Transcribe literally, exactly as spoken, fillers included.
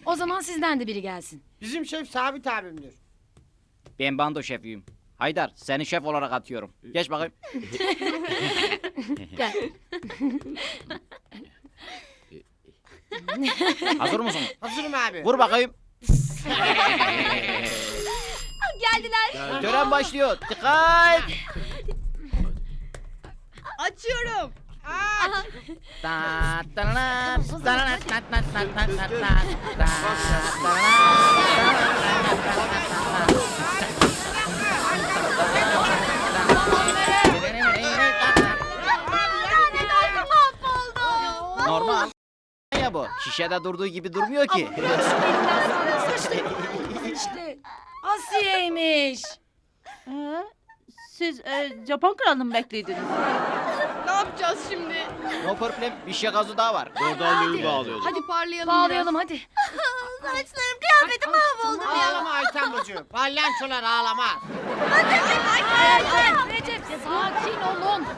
O zaman sizden de biri gelsin. Bizim şef Sabit abimdir. Ben bando şefiyim. Haydar, seni şef olarak atıyorum. Geç bakayım. Gel. Hazır mısın? Hazırım abi. Vur bakayım. Geldiler. Tören başlıyor. Dikkat! Açıyorum. Ta ta la ta la ta ta ta ta ta ta ta Normal. Ya bu. Şişede durduğu gibi durmuyor ki. İşte Asiye'ymiş. Ee, siz e, Japon kralını mı bekliydiniz? Ne yapacağız şimdi? No problem. Bir şey gazı daha var. Gordalyoyu bağlıyordum. Hadi parlayalım. Bağlayalım hadi. Saçlarım kıyafetim mahvoldu ya. Ağlama Ayten bacı. Palyançolar ağlamaz. Ay